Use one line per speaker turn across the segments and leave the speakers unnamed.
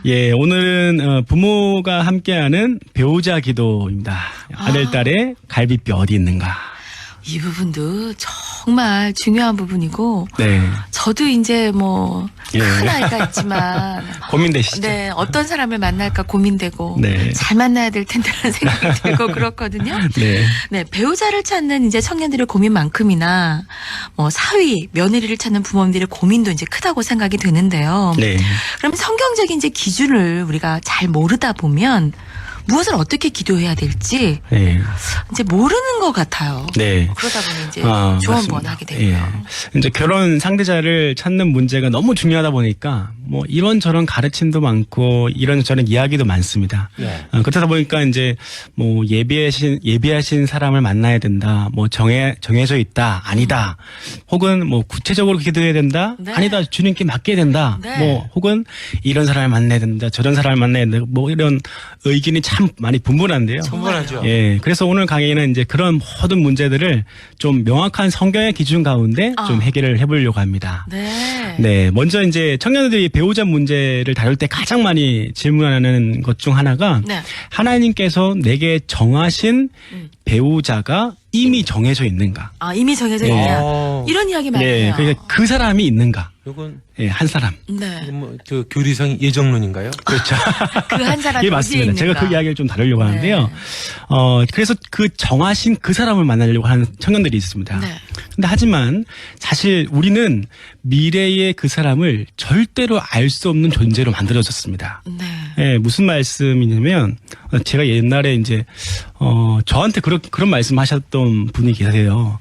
예, 오늘은 부모가 함께하는 배우자 기도입니다. 아들, 딸의 갈비뼈 어디 있는가.
이 부분도 정말 중요한 부분이고,
네.
저도 이제 뭐,
예.
큰 아이가 있지만,
고민되시죠?
네, 어떤 사람을 만날까 고민되고,
네.
잘 만나야 될 텐데라는 생각이 들고 그렇거든요.
네.
네, 배우자를 찾는 이제 청년들의 고민만큼이나, 뭐, 사위, 며느리를 찾는 부모님들의 고민도 이제 크다고 생각이 드는데요.
네.
그럼 성경적인 이제 기준을 우리가 잘 모르다 보면, 무엇을 어떻게 기도해야 될지
네.
이제 모르는 것 같아요.
네.
그러다 보니 이제
맞습니다.
조언 하게 되고요.
예. 이제 결혼 상대자를 찾는 문제가 너무 중요하다 보니까 뭐 이런저런 가르침도 많고 이런저런 이야기도 많습니다.
네.
그러다 보니까 이제 뭐 예비하신 사람을 만나야 된다. 뭐 정해져 있다. 아니다. 혹은 뭐 구체적으로 기도해야 된다.
네.
아니다. 주님께 맡겨야 된다.
네.
뭐 혹은 이런 사람을 만나야 된다. 저런 사람을 만나야 된다. 뭐 이런 의견이 참 많이 분분한데요.
충분하죠.
예. 그래서 오늘 강의는 이제 그런 모든 문제들을 좀 명확한 성경의 기준 가운데 좀 해결을 해보려고 합니다.
네.
네. 먼저 이제 청년들이 배우자 문제를 다룰 때 가장 많이 질문하는 것 중 하나가
네.
하나님께서 내게 정하신 배우자가 이미 정해져 있는가?
아, 이미 정해져
네.
있냐.
어.
이런 이야기 많이
네.
해요.
그러니까 그 사람이 있는가?
이건
예, 한 사람.
네.
뭐 그 교리상 예정론인가요?
그렇죠.
그 한 사람이
예,
어디에
맞습니다.
있는가.
제가 그 이야기를 좀 다루려고 하는데요.
네.
그래서 그 정하신 그 사람을 만나려고 하는 청년들이 있습니다.
네.
근데 하지만 사실 우리는 미래의 그 사람을 절대로 알 수 없는 존재로 만들어졌습니다.
네.
예, 무슨 말씀이냐면 제가 옛날에 이제 저한테 그런 말씀하셨던 분이 계세요.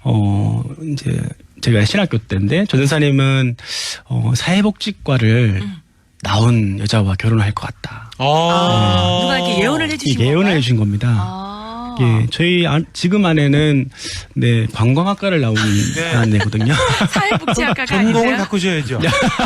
이제 제가 신학교 때인데 전도사님은 사회복지과를 나온 여자와 결혼할 것 같다.
누가 이렇게 예언을 해주신 건가요?
예언을 해주신 겁니다.
아.
예, 저희 지금 아내는 네 관광학과를 나온 아내거든요.
사회복지학과가
전공을
아니세요?
바꾸셔야죠.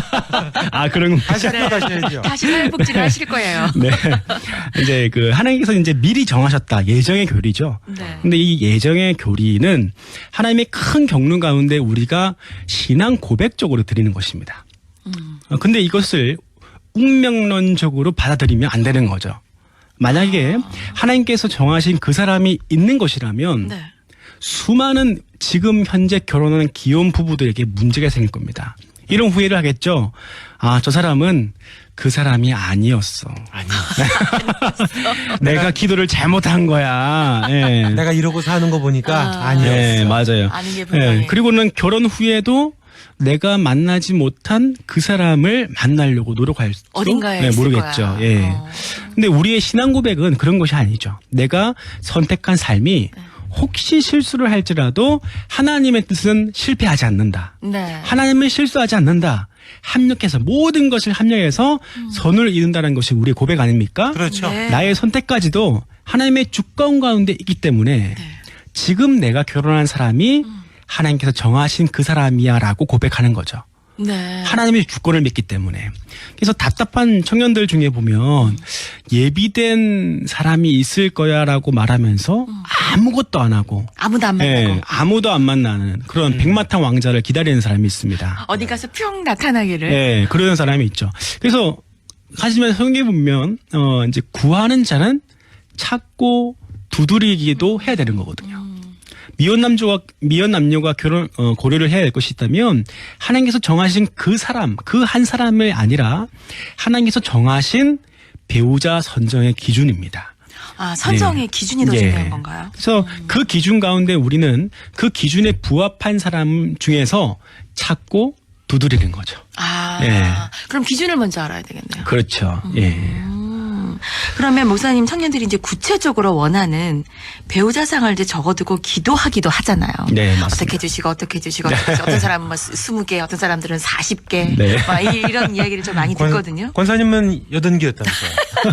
아 그런
다시 학교 가셔야죠.
다시 사회복지를 하실 거예요.
네. 이제 그 하나님께서 이제 미리 정하셨다. 예정의 교리죠.
네.
근데 이 예정의 교리는 하나님의 큰 경륜 가운데 우리가 신앙 고백적으로 드리는 것입니다. 근데 이것을 운명론적으로 받아들이면 안 되는 거죠. 만약에 하나님께서 정하신 그 사람이 있는 것이라면
네.
수많은 지금 현재 결혼하는 기혼 부부들에게 문제가 생길 겁니다. 이런 후회를 하겠죠. 아, 저 사람은 그 사람이 아니었어. 내가 기도를 잘못한 거야. 예.
내가 이러고 사는 거 보니까 아니었어.
네, 맞아요.
아닌 게 분명해.
그리고는 결혼 후에도 내가 만나지 못한 그 사람을 만나려고 노력할 수
어딘가에 있을
모르겠죠.
거야.
예. 근데 우리의 신앙 고백은 그런 것이 아니죠. 내가 선택한 삶이 혹시 실수를 할지라도 하나님의 뜻은 실패하지 않는다.
네.
하나님은 실수하지 않는다. 합력해서 모든 것을 합력해서 선을 이룬다는 것이 우리의 고백 아닙니까?
그렇죠.
네.
나의 선택까지도 하나님의 주권 가운데 있기 때문에 지금 내가 결혼한 사람이 하나님께서 정하신 그 사람이야라고 고백하는 거죠.
네.
하나님의 주권을 믿기 때문에. 그래서 답답한 청년들 중에 보면 예비된 사람이 있을 거야라고 말하면서 아무것도 안 하고
아무도 안 만나고.
예, 아무도 안 만나는 그런 백마탄 왕자를 기다리는 사람이 있습니다.
어디 가서 뿅 나타나기를.
예, 그러는 사람이 있죠. 그래서 하지만 성경에 보면 이제 구하는 자는 찾고 두드리기도 해야 되는 거거든요. 미혼 남녀가 결혼 고려를 해야 될 것이 있다면 하나님께서 정하신 그 사람, 그 한 사람이 아니라 하나님께서 정하신 배우자 선정의 기준입니다.
아, 선정의 기준이 더 중요한 건가요?
그래서 그 기준 가운데 우리는 그 기준에 부합한 사람 중에서 찾고 두드리는 거죠.
아,
예.
그럼 기준을 먼저 알아야 되겠네요.
그렇죠. 예.
그러면 목사님 청년들이 이제 구체적으로 원하는 배우자상을 이제 적어두고 기도하기도 하잖아요.
네, 맞습니다.
어떻게 해주시고 어떻게 해주시고 어떤 사람은 뭐 20개, 어떤 사람들은 40개,
네.
막 이런 이야기를 좀 많이 듣거든요.
권사님은 80개였다면서요.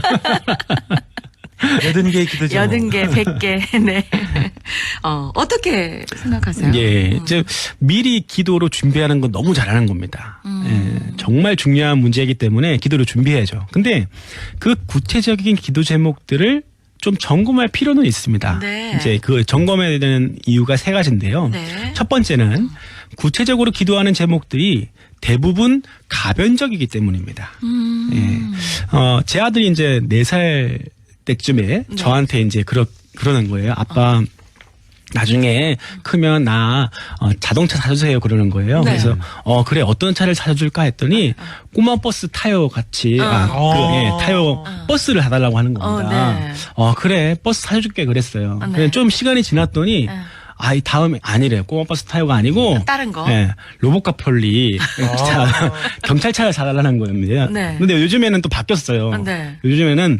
80개의 기도 제목.
80개, 100개, 네. 어떻게 생각하세요?
예, 이제 미리 기도로 준비하는 건 너무 잘하는 겁니다. 예, 정말 중요한 문제이기 때문에 기도로 준비해야죠. 근데 그 구체적인 기도 제목들을 좀 점검할 필요는 있습니다.
네.
이제 그 점검해야 되는 이유가 세 가지인데요.
네.
첫 번째는 구체적으로 기도하는 제목들이 대부분 가변적이기 때문입니다. 제 아들이 이제 4살 때쯤에 저한테 이제 그러는 거예요. 아빠, 나중에 크면 나 자동차 사주세요 그러는 거예요.
네.
그래서 그래 어떤 차를 사줄까 했더니 꼬마 버스 타요 같이 타요 버스를 사달라고 하는 겁니다.
네.
그래 버스 사줄게 그랬어요.
네.
근데 좀 시간이 지났더니 이 다음에 아니래 꼬마 버스 타요가 아니고
다른 거?
로봇카 폴리 경찰차를 사달라는 겁니다.
네.
근데 요즘에는 또 바뀌었어요.
네.
요즘에는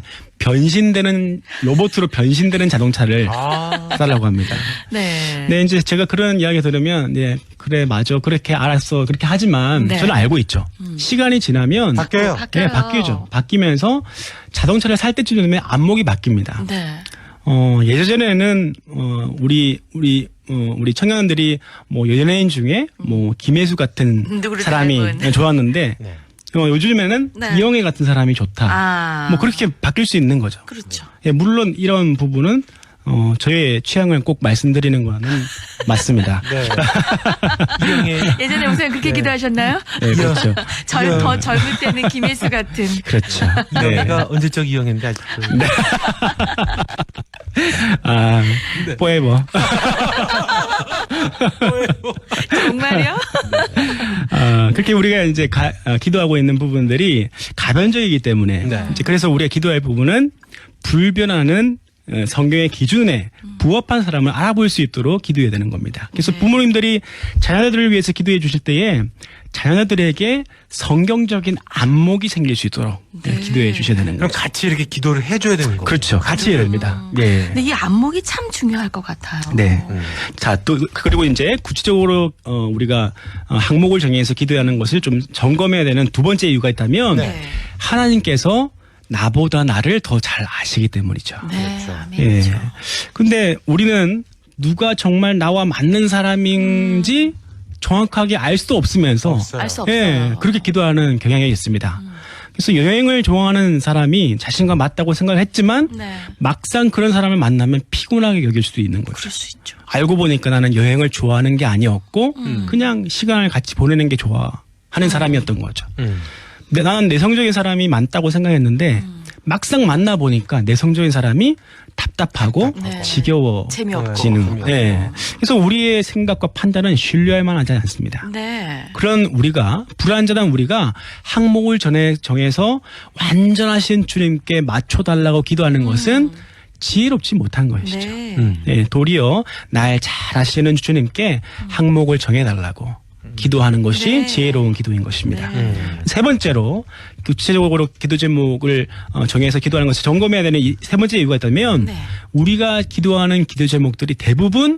로봇으로 변신되는 자동차를 사달라고 합니다.
네.
네, 이제 제가 그런 이야기 들으면, 네, 그래, 맞아. 그렇게 알았어. 그렇게 하지만,
네.
저는 알고 있죠. 시간이 지나면,
바뀌어요.
네, 바뀌죠. 바뀌면서 자동차를 살 때쯤 되면 안목이 바뀝니다.
네.
예전에는, 우리 청년들이 뭐 연예인 중에 뭐 김혜수 같은
누구를
사람이
닮은.
좋았는데,
네.
요즘에는
네.
이영애 같은 사람이 좋다. 뭐 그렇게 바뀔 수 있는 거죠.
그렇죠.
예, 물론 이런 부분은 저의 취향을 꼭 말씀드리는 거는 맞습니다.
네. 이영애
예전에 목사님 그렇게 기도하셨나요?
네, 그렇죠.
더 젊을 때는 김혜수 같은.
그렇죠. 네.
이영애가 언제적 이영애인데 아직도.
포에버.
정말요?
그렇게 우리가 이제 기도하고 있는 부분들이 가변적이기 때문에
네.
이제 그래서 우리가 기도할 부분은 불변하는 성경의 기준에 부합한 사람을 알아볼 수 있도록 기도해야 되는 겁니다. 그래서
네.
부모님들이 자녀들을 위해서 기도해 주실 때에 자녀들에게 성경적인 안목이 생길 수 있도록
네.
기도해 주셔야 되는
그럼
거죠.
같이 이렇게 기도를 해줘야 되는 거죠.
그렇죠. 같이 해야 됩니다. 네.
근데 이 안목이 참 중요할 것 같아요.
네. 자, 또, 그리고 이제 구체적으로, 우리가 항목을 정해서 기도하는 것을 좀 점검해야 되는 두 번째 이유가 있다면,
네.
하나님께서 나보다 나를 더 잘 아시기 때문이죠.
네.
그렇죠.
아멘이죠.
예. 근데 우리는 누가 정말 나와 맞는 사람인지 정확하게 알 수도 없으면서,
없어요.
알 수 없어요.
예, 그렇게 기도하는 경향이 있습니다. 그래서 여행을 좋아하는 사람이 자신과 맞다고 생각을 했지만,
네.
막상 그런 사람을 만나면 피곤하게 여길 수도 있는 거죠.
그럴 수 있죠.
알고 보니까 나는 여행을 좋아하는 게 아니었고 그냥 시간을 같이 보내는 게 좋아하는 사람이었던 거죠. 근데 나는 내성적인 사람이 많다고 생각했는데 막상 만나 보니까 내성적인 사람이 답답하고
네.
지겨워지는
재미없고.
거예요. 네. 그래서 우리의 생각과 판단은 신뢰할 만하지 않습니다.
네.
그런 우리가 불완전한 우리가 항목을 정해서 완전하신 주님께 맞춰달라고 기도하는 것은 지혜롭지 못한 것이죠.
네.
네, 도리어 날 잘 아시는 주님께 항목을 정해달라고 기도하는 것이
네.
지혜로운 기도인 것입니다.
네.
세 번째로 구체적으로 기도 제목을 정해서 기도하는 것을 점검해야 되는 이 세 번째 이유가 있다면
네.
우리가 기도하는 기도 제목들이 대부분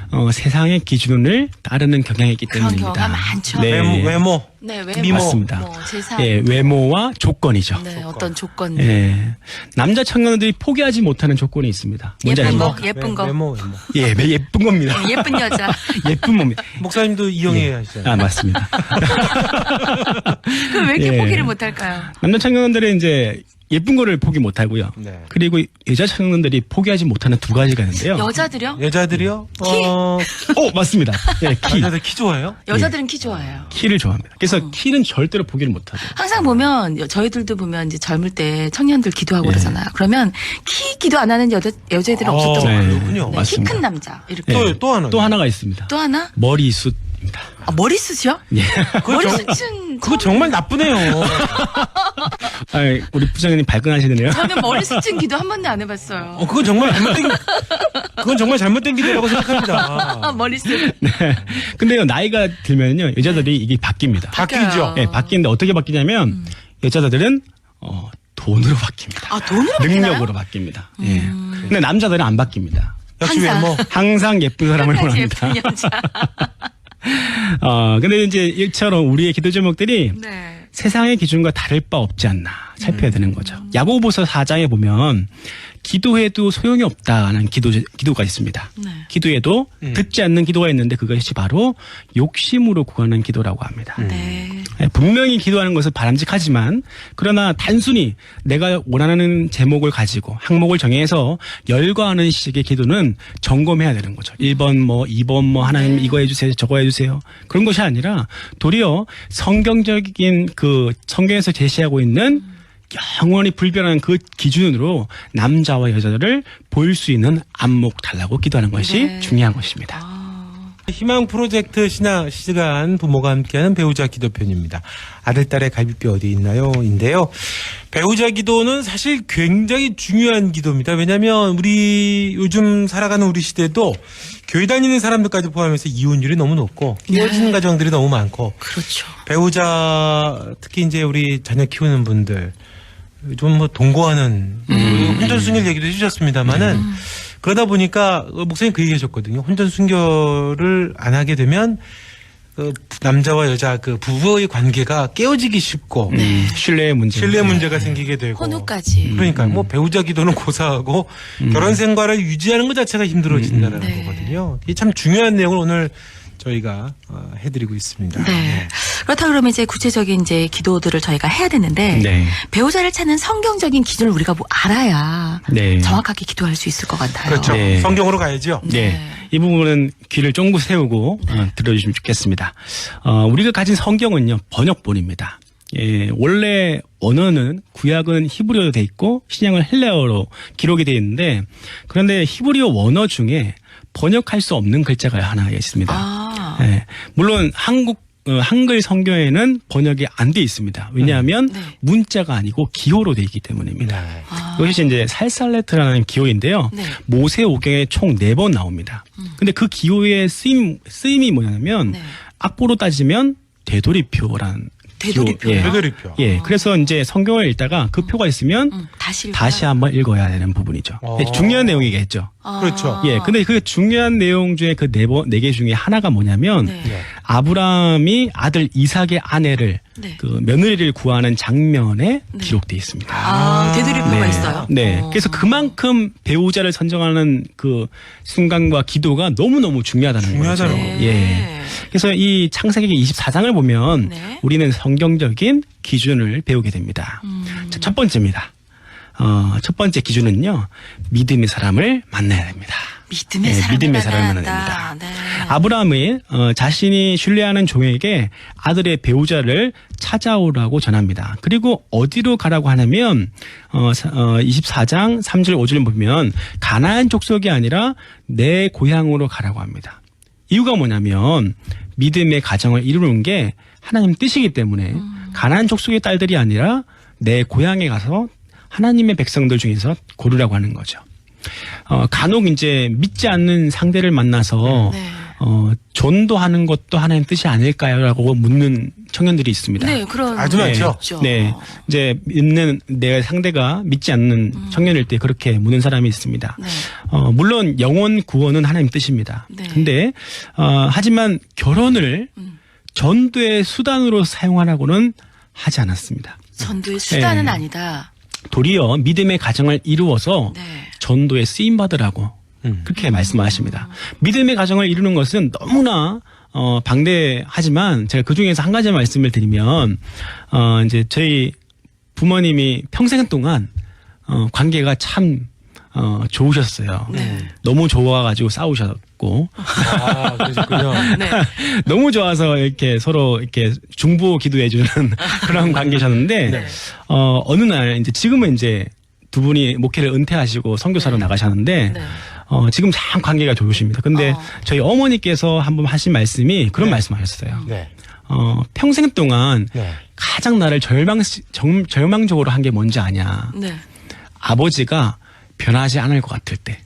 세상의 기준을 따르는 경향이 있기
그런
때문입니다.
경우가 많죠.
네.
외모.
네.
미모.
맞습니다.
뭐 재산.
예, 외모와 조건이죠.
네. 어떤 조건들.
예. 남자 청년들이 포기하지 못하는 조건이 있습니다. 뭔지
예쁜
아십니까?
거, 예쁜 거.
외모.
예, 예쁜 겁니다.
예쁜 여자.
예쁜 몸입니다.
목사님도 이영애 하시잖아요.
맞습니다.
그럼 왜 이렇게
예.
포기를 못할까요?
남자 청년들은 이제 예쁜 거를 포기 못하고요.
네.
그리고 여자 청년들이 포기하지 못하는 두 가지가 있는데요.
여자들요?
여자들이요?
맞습니다. 예, 키.
여자들 키 좋아해요?
여자들은 키 좋아해요.
키를 좋아합니다. 그래서 키는 절대로 포기를 못하죠.
항상 보면 저희들도 보면 이제 젊을 때 청년들 기도하고
예.
그러잖아요. 그러면 키 기도 안 하는 여자애들은 없었던
네.
거예요.
그렇군요.
키
맞습니다.
큰 남자 이렇게.
예.
또 하나.
또 하나가 있습니다.
또 하나?
머리숱입니다.
머리숱이요?
예.
머리숱은
그거 정말 나쁘네요.
우리 부장님 발끈하시네요.
저는 머리숱은 기도 한 번도 안 해봤어요.
그건 정말 잘못된 기도라고 생각합니다.
머리숱.
네. 근데요, 나이가 들면요, 여자들이 이게 바뀝니다.
바뀌죠.
예, 바뀌는데 어떻게 바뀌냐면, 여자들은, 돈으로 바뀝니다.
아, 돈으로 바뀌나요?
능력으로 바뀝니다. 예. 근데 남자들은 안 바뀝니다.
역시
항상.
외모.
항상 예쁜 사람을
끝까지
원합니다.
예쁜 여자.
근데 이제 이처럼 우리의 기도 제목들이
네.
세상의 기준과 다를 바 없지 않나. 살펴야 되는 거죠. 야고보서 4장에 보면 기도해도 소용이 없다는 기도가 있습니다.
네.
기도해도 듣지 않는 기도가 있는데 그것이 바로 욕심으로 구하는 기도라고 합니다.
네.
분명히 기도하는 것은 바람직하지만 그러나 단순히 내가 원하는 제목을 가지고 항목을 정해서 열거하는 식의 기도는 점검해야 되는 거죠. 1번 뭐 2번 뭐 하나님 이거 해주세요 저거 해주세요 그런 것이 아니라 도리어 성경적인 그 성경에서 제시하고 있는 영원히 불변한 그 기준으로 남자와 여자를 볼 수 있는 안목 달라고 기도하는 것이
네.
중요한 것입니다.
희망 프로젝트 신앙 시간 부모가 함께하는 배우자 기도편입니다. 아들, 딸의 갈비뼈 어디 있나요? 인데요. 배우자 기도는 사실 굉장히 중요한 기도입니다. 왜냐하면 우리 요즘 살아가는 우리 시대도 교회 다니는 사람들까지 포함해서 이혼율이 너무 높고 깨어지는 가정들이 너무 많고
그렇죠.
배우자 특히 이제 우리 자녀 키우는 분들 좀 뭐 동거하는 혼전순결 얘기도 해주셨습니다만은 그러다 보니까 목사님 그 얘기하셨거든요. 혼전순결을 안 하게 되면 그 남자와 여자 그 부부의 관계가 깨어지기 쉽고
신뢰의
문제가 생기게 되고
혼후까지.
그러니까 뭐 배우자 기도는 고사하고 결혼 생활을 유지하는 것 자체가 힘들어진다는
네.
거거든요. 이게 참 중요한 내용을 오늘 저희가 해드리고 있습니다.
네. 그렇다 그러면 이제 구체적인 이제 기도들을 저희가 해야 되는데
네.
배우자를 찾는 성경적인 기준을 우리가 뭐 알아야
네.
정확하게 기도할 수 있을 것 같아요.
그렇죠.
네.
성경으로 가야죠.
네. 이 부분은 귀를 쫑긋 세우고 들어주시면 좋겠습니다. 우리가 가진 성경은요, 번역본입니다. 예, 원래 언어는 구약은 히브리어로 돼 있고 신약은 헬라어로 기록이 돼 있는데 그런데 히브리어 원어 중에 번역할 수 없는 글자가 하나 있습니다.
아.
예, 물론 한글 성경에는 번역이 안 돼 있습니다. 왜냐하면
네.
문자가 아니고 기호로 돼 있기 때문입니다.
네.
아.
이것이 이제 살살레트라는 기호인데요.
네.
모세오경에 총 4번 나옵니다. 근데 그 기호의 쓰임이 뭐냐면
네.
악보로 따지면 되돌이표라는
되돌이표요?
기호.
되돌이표.
예, 그래서 이제 성경을 읽다가 그 표가 있으면 다시 한번 읽어야 되는 부분이죠. 예, 중요한 내용이겠죠.
그렇죠.
예, 근데 그 중요한 내용 중에 그 4개 중에 하나가 뭐냐면
네.
네.
아브라함이 아들 이삭의 아내를
네.
그 며느리를 구하는 장면에 기록되어 있습니다.
아, 되돌이표가 있어요?
네. 그래서 그만큼 배우자를 선정하는 그 순간과 기도가 너무너무 중요하다는 거죠.
중요하다는
거죠.
예. 그래서 이 창세기 24장을 보면
네.
우리는 성경적인 기준을 배우게 됩니다. 자, 첫 번째입니다. 첫 번째 기준은요. 믿음의 사람을 만나야 됩니다.
믿음의
네,
사람을
믿음의 사람을
만나야
만나야
한다. 네.
아브라함이 자신이 신뢰하는 종에게 아들의 배우자를 찾아오라고 전합니다. 그리고 어디로 가라고 하냐면 24장 3절 5절을 보면 가나안 족속이 아니라 내 고향으로 가라고 합니다. 이유가 뭐냐면 믿음의 가정을 이루는 게 하나님 뜻이기 때문에 가나안 족속의 딸들이 아니라 내 고향에 가서 하나님의 백성들 중에서 고르라고 하는 거죠. 간혹 이제 믿지 않는 상대를 만나서
네.
전도하는 것도 하나님 뜻이 아닐까요라고 묻는 청년들이 있습니다.
네, 그런
아주 많죠.
있죠.
네, 이제 믿는 내 상대가 믿지 않는 청년일 때 그렇게 묻는 사람이 있습니다.
네.
물론 영혼 구원은 하나님 뜻입니다.
네.
근데 하지만 결혼을 전도의 수단으로 사용하라고는 하지 않았습니다.
전도의 수단은
네.
아니다.
도리어 믿음의 가정을 이루어서
네.
전도에 쓰임 받으라고 그렇게 말씀하십니다. 믿음의 가정을 이루는 것은 너무나 방대하지만 제가 그 중에서 한 가지 말씀을 드리면 이제 저희 부모님이 평생 동안 관계가 참 좋으셨어요.
네.
너무 좋아가지고 싸우셨고
아, 그러셨군요.
네.
너무 좋아서 이렇게 서로 이렇게 중보 기도해주는 그런 관계셨는데
네.
어느 날 이제 지금은 이제 두 분이 목회를 은퇴하시고 선교사로 나가셨는데
네.
지금 참 관계가 좋으십니다. 근데 저희 어머니께서 한번 하신 말씀이 그런
네.
말씀하셨어요.
네.
평생 동안
네.
가장 나를 절망적으로 한 게 뭔지 아냐.
네.
아버지가 변하지 않을 것 같을 때.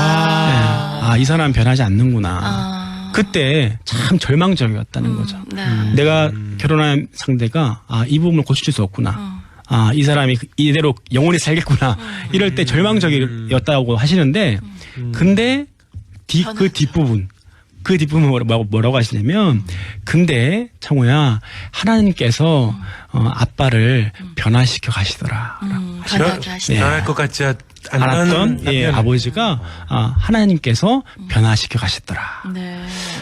이 사람 변하지 않는구나. 그때 참 절망적이었다는 거죠.
네.
내가 결혼한 상대가 이 부분을 고칠 수 없구나. 이 사람이 이대로 영원히 살겠구나. 이럴 때 절망적이었다고 하시는데 근데 그 뒷부분 그 뒷부분 뭐라고 하시냐면 근데 청호야 하나님께서 아빠를 변화시켜 가시더라.
변하게 하시다.
변할 것 같지
않았던
남편을.
아버지가 하나님께서 변화시켜 가시더라.
네.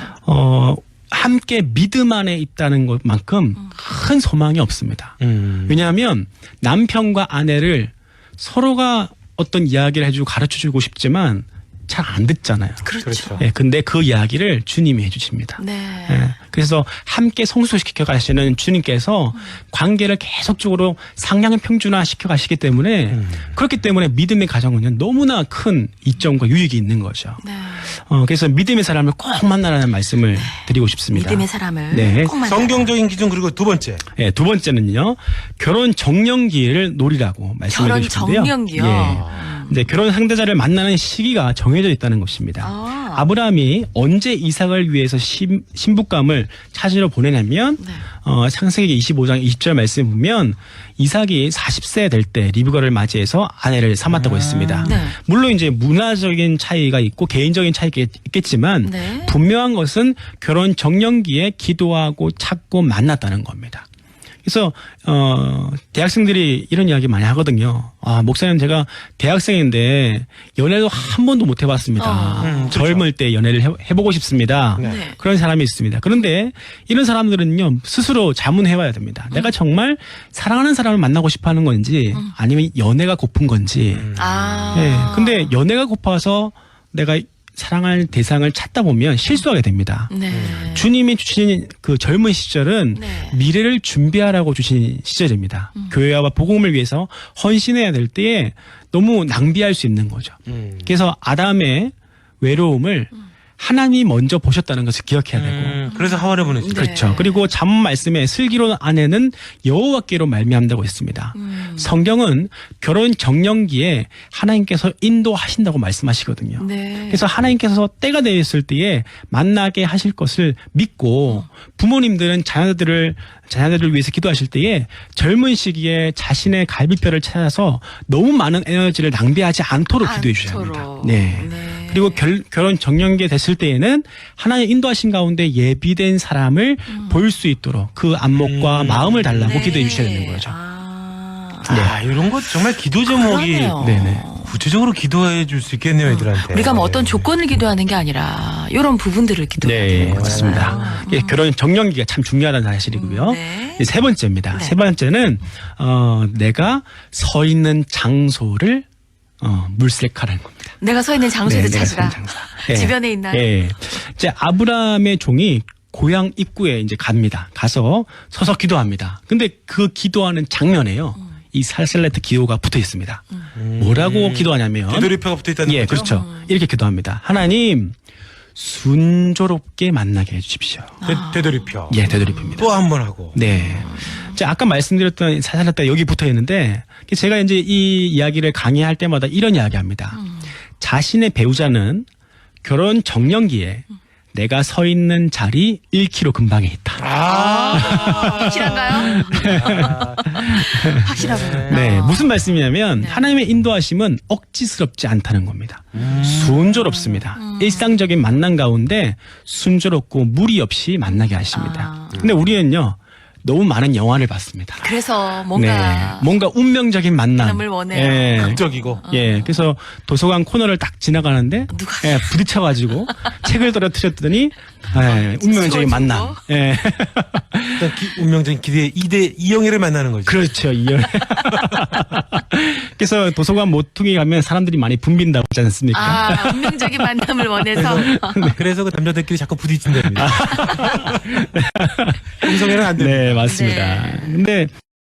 함께 믿음 안에 있다는 것만큼 큰 소망이 없습니다. 왜냐하면 남편과 아내를 서로가 어떤 이야기를 해주고 가르쳐주고 싶지만 잘 안 듣잖아요.
그렇죠.
예, 근데 그 이야기를 주님이 해주십니다.
네.
예, 그래서 함께 성숙시켜 가시는 주님께서 관계를 계속적으로 상향 평준화시켜 가시기 때문에 그렇기 때문에 믿음의 가정은 너무나 큰 이점과 유익이 있는 거죠.
네.
그래서 믿음의 사람을 꼭 만나라는 말씀을 드리고 싶습니다.
믿음의 사람을
네.
꼭 만나.
성경적인 기준 그리고 두 번째.
예, 두 번째는요. 결혼 정년기를 노리라고 말씀을
결혼
드리셨는데요.
정년기요?
예. 네, 결혼 상대자를 만나는 시기가 정해져 있다는 것입니다. 아브라함이 언제 이삭을 위해서 신부감을 찾으러 보내냐면
네.
창세기 25장 20절 말씀에 보면 이삭이 40세 될 때 리브가를 맞이해서 아내를 삼았다고 했습니다.
네.
물론 이제 문화적인 차이가 있고 개인적인 차이가 있겠지만
네.
분명한 것은 결혼 정년기에 기도하고 찾고 만났다는 겁니다. 그래서 대학생들이 이런 이야기 많이 하거든요. 목사님 제가 대학생인데 연애도 한 번도 못 해봤습니다. 젊을 때 연애를 해보고 싶습니다.
네.
그런 사람이 있습니다. 그런데 이런 사람들은요 스스로 자문해봐야 됩니다. 내가 정말 사랑하는 사람을 만나고 싶어하는 건지 아니면 연애가 고픈 건지. 네. 근데 연애가 고파서 내가 사랑할 대상을 찾다 보면 실수하게 됩니다.
네.
주님이 주신 그 젊은 시절은
네.
미래를 준비하라고 주신 시절입니다. 교회와 복음을 위해서 헌신해야 될 때에 너무 낭비할 수 있는 거죠. 그래서 아담의 외로움을 하나님이 먼저 보셨다는 것을 기억해야 되고
그래서 하와를 보냈죠.
네.
그렇죠. 그리고 잠 말씀에 슬기로운 아내는 여호와께로 말미암다고 했습니다. 성경은 결혼 정년기에 하나님께서 인도하신다고 말씀하시거든요.
네.
그래서 하나님께서 때가 되었을 때에 만나게 하실 것을 믿고 부모님들은 자녀들을 위해서 기도하실 때에 젊은 시기에 자신의 갈비뼈를 찾아서 너무 많은 에너지를 낭비하지 않도록 기도해 주셔야 합니다. 네.
네.
그리고 결혼 정년기에 됐을 때에는 하나님 인도하신 가운데 예비된 사람을 볼 수 있도록 그 안목과 마음을 달라고
네.
기도해 주셔야 되는 거죠.
이런 거 정말 기도 제목이
그러네요.
네네.
구체적으로 기도해 줄 수 있겠네요, 애들한테.
우리가 뭐 어떤 조건을 기도하는 게 아니라 이런 부분들을 기도해야
네,
되는
맞습니다.
거잖아요.
예, 결혼 정년기가 참 중요하다는 사실이고요.
네.
세 번째입니다.
네.
세 번째는 내가 서 있는 장소를 물색하라는 겁니다.
내가 서 있는 장소를
네, 내가 서
찾으라.
있는 장소. 예.
주변에 있나요?
예. 이제 아브라함의 종이 고향 입구에 이제 갑니다. 가서 서서 기도합니다. 근데 그 기도하는 장면에요. 이 살셀레트 기호가 붙어 있습니다. 뭐라고 기도하냐면
되돌이표가 붙어 있다는
예,
거죠.
그렇죠. 이렇게 기도합니다. 하나님 순조롭게 만나게 해주십시오.
되돌이표.
예, 되돌이표입니다.
또 한 번 하고.
네. 자, 아까 말씀드렸던 살셀레트 여기 붙어 있는데 제가 이제 이 이야기를 강의할 때마다 이런 이야기합니다. 자신의 배우자는 결혼 정년기에 내가 서 있는 자리 1km 근방에 있다.
확실한가요? 확실하군요.
네, 무슨 말씀이냐면 하나님의 인도하심은 억지스럽지 않다는 겁니다. 순조롭습니다. 일상적인 만남 가운데 순조롭고 무리 없이 만나게 하십니다. 근데 우리는요 너무 많은 영화를 봤습니다.
그래서 뭔가
뭔가 운명적인 만남.
만남을 원해요.
예.
극적이고.
예, 그래서 도서관 코너를 딱 지나가는데
누가
예, 부딪혀가지고 책을 떨어뜨렸더니 예, 운명적인 만남. 예,
일단 운명적인 기대 이영애를 만나는 거죠.
그렇죠. 그래서 도서관 모퉁이 가면 사람들이 많이 붐빈다고 하지 않습니까?
운명적인 만남을 원해서
그래서 그 남자들끼리 자꾸 부딪힌답니다. 동성애는 안 됩니다.
네, 맞습니다.
네.
근데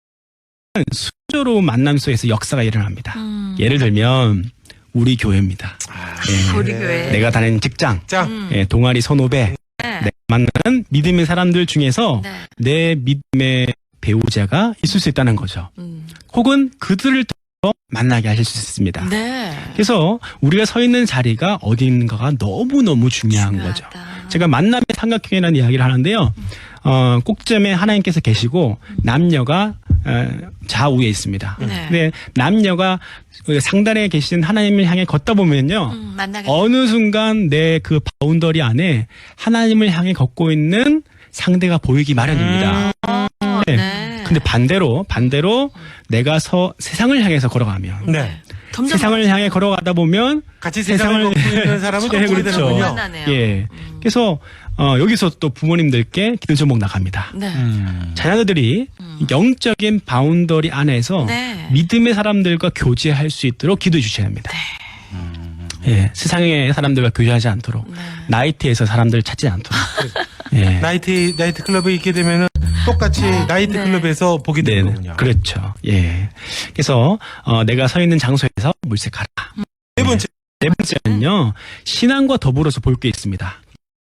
순조로운 만남 속에서 역사가 일어납니다. 예를 들면 우리 교회입니다. 예,
우리 교회.
내가 다니는 직장,
짱.
예, 동아리 선후배, 내가 만나는 믿음의 사람들 중에서
네.
내 믿음의 배우자가 있을 수 있다는 거죠. 혹은 그들을 통해서 만나게 하실 수 있습니다.
네.
그래서 우리가 서 있는 자리가 어디 있는가가 너무너무 중요한 거죠. 제가 만남의 삼각형이라는 이야기를 하는데요. 꼭점에 하나님께서 계시고 남녀가 좌우에 있습니다.
네.
근데 남녀가 상단에 계신 하나님을 향해 걷다 보면요.
만나게
어느 순간 내 그 바운더리 안에 하나님을 향해 걷고 있는 상대가 보이기 마련입니다. 네.
네.
근데 반대로 내가 세상을 향해서 걸어가면
네.
점점
세상을 향해 걸어가다 보면
같이 세상을 걷고 있는 사람은 또
네,
보게
그렇죠.
되는군요.
만나네요.
예. 그래서 여기서 또 부모님들께 기도 제목 나갑니다.
네.
자녀들이 영적인 바운더리 안에서
네.
믿음의 사람들과 교제할 수 있도록 기도해 주셔야 합니다. 예, 세상의 사람들과 교제하지 않도록
네.
나이트에서 사람들을 찾지 않도록. 예.
나이트 클럽에 있게 되면은 똑같이 나이트
네.
클럽에서 보게
네,
되는 거군요.
그렇죠. 예. 그래서 내가 서 있는 장소에서 물색하라.
네 번째.
네 번째는요, 신앙과 더불어서 볼 게 있습니다.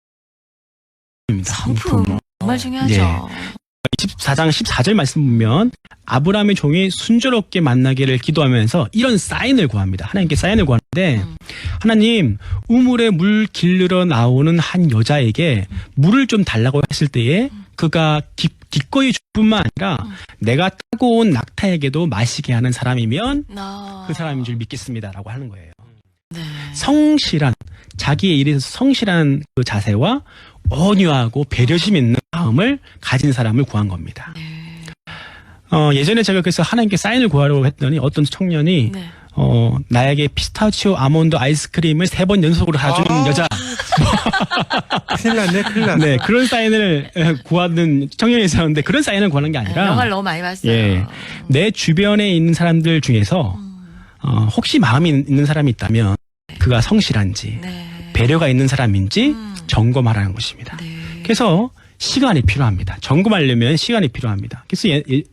성품 정말 중요하죠.
예. 24장 14절 말씀 보면 아브라함의 종이 순조롭게 만나기를 기도하면서 이런 사인을 구합니다. 하나님께 사인을 구하는데 하나님 우물에 물 길르러 나오는 한 여자에게 물을 좀 달라고 했을 때에 그가 기꺼이 줄 뿐만 아니라 내가 타고 온 낙타에게도 마시게 하는 사람이면 그 사람인 줄 믿겠습니다라고 하는 거예요.
네.
성실한 자기의 일에서 성실한 그 자세와 온유하고 배려심 있는 마음을 가진 사람을 구한 겁니다.
네.
예전에 제가 그래서 하나님께 사인을 구하려고 했더니 어떤 청년이
네.
나에게 피스타치오 아몬드 아이스크림을 3번 연속으로 사주는 여자.
큰일 났네.
네, 그런 사인을 구하는 청년이 있었는데 그런 사인을 구하는 게 아니라
영화를 너무 많이 봤어요.
예, 내 주변에 있는 사람들 중에서 혹시 마음이 있는 사람이 있다면 그가 성실한지
네.
배려가 있는 사람인지 점검하라는 것입니다.
네.
그래서 시간이 필요합니다. 점검하려면 시간이 필요합니다. 그래서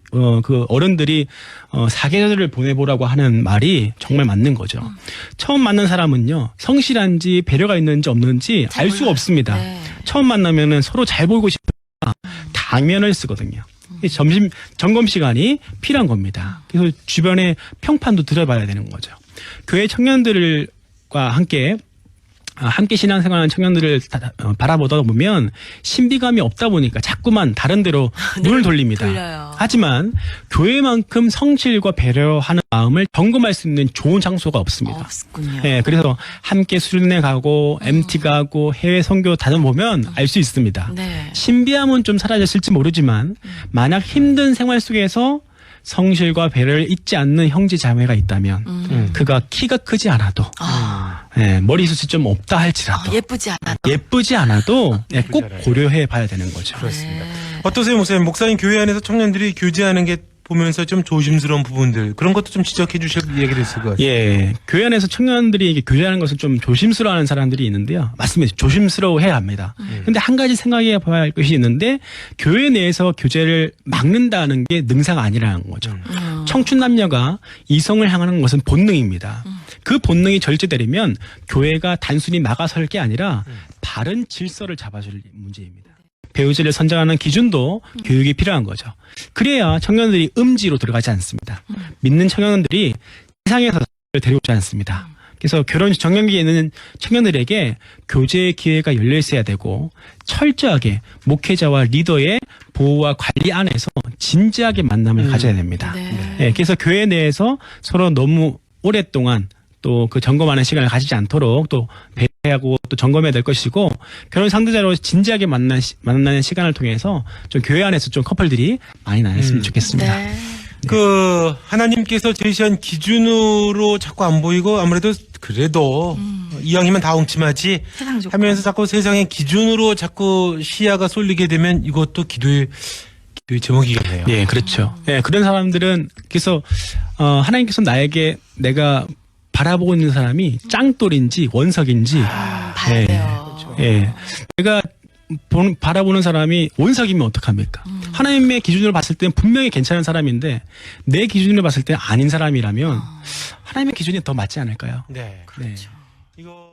그 어른들이 사계절을 보내보라고 하는 말이 정말 맞는 거죠. 처음 만난 사람은요, 성실한지 배려가 있는지 없는지
잘
알 수가
몰라요.
없습니다.
네.
처음 만나면은 서로 잘 보이고 싶으니까 당면을 쓰거든요. 점검 시간이 필요한 겁니다. 그래서 주변에 평판도 들어봐야 되는 거죠. 교회 청년들과 함께 신앙생활하는 청년들을 바라보다 보면 신비감이 없다 보니까 자꾸만 다른 데로 눈을 돌립니다.
돌려요.
하지만 교회만큼 성실과 배려하는 마음을 점검할 수 있는 좋은 장소가 없습니다.
없군요.
네, 그래서 함께 수련회 가고 MT 가고 해외 선교 다녀보면 알 수 있습니다.
네.
신비함은 좀 사라졌을지 모르지만 만약 힘든 생활 속에서 성실과 배려를 잊지 않는 형제 자매가 있다면 그가 키가 크지 않아도 머리숱이 좀 없다 할지라도
예쁘지 않아도
꼭 고려해 봐야 되는 거죠.
그렇습니다. 어떠세요, 목사님? 목사님 교회 안에서 청년들이 교제하는 게 보면서 좀 조심스러운 부분들 그런 것도 좀 지적해 주실 얘기를 있을 것 같아요.
예, 교회 안에서 청년들이 교제하는 것을 좀 조심스러워하는 사람들이 있는데요. 맞습니다. 조심스러워해야 합니다. 근데 한 가지 생각해 봐야 할 것이 있는데 교회 내에서 교제를 막는다는 게 능사가 아니라는 거죠. 청춘 남녀가 이성을 향하는 것은 본능입니다. 그 본능이 절제되려면 교회가 단순히 막아설 게 아니라 바른 질서를 잡아줄 문제입니다. 배우자를 선정하는 기준도 교육이 필요한 거죠. 그래야 청년들이 음지로 들어가지 않습니다. 믿는 청년들이 세상에서 데려오지 않습니다. 그래서 결혼 정년기에 있는 청년들에게 교제의 기회가 열려 있어야 되고 철저하게 목회자와 리더의 보호와 관리 안에서 진지하게 만남을 가져야 됩니다. 네, 그래서 교회 내에서 서로 너무 오랫동안 또 그 점검하는 시간을 가지지 않도록 또 배려하고 또 점검해야 될 것이고 결혼 상대자로 진지하게 만나는 시간을 통해서 좀 교회 안에서 좀 커플들이 많이 나눴으면 좋겠습니다.
네.
그 하나님께서 제시한 기준으로 자꾸 안 보이고 아무래도 그래도 이왕이면 다 엉침하지 하면서 자꾸 세상의 기준으로 자꾸 시야가 쏠리게 되면 이것도 기도의 제목이겠네요.
예, 그렇죠. 예, 그런 사람들은 그래서 하나님께서 나에게 내가 바라보고 있는 사람이 짱돌인지 원석인지
봐야 돼요.
예, 내가 바라보는 사람이 원석이면 어떡합니까? 하나님의 기준으로 봤을 때는 분명히 괜찮은 사람인데 내 기준으로 봤을 때 아닌 사람이라면 하나님의 기준이 더 맞지 않을까요?
네.
네.
이거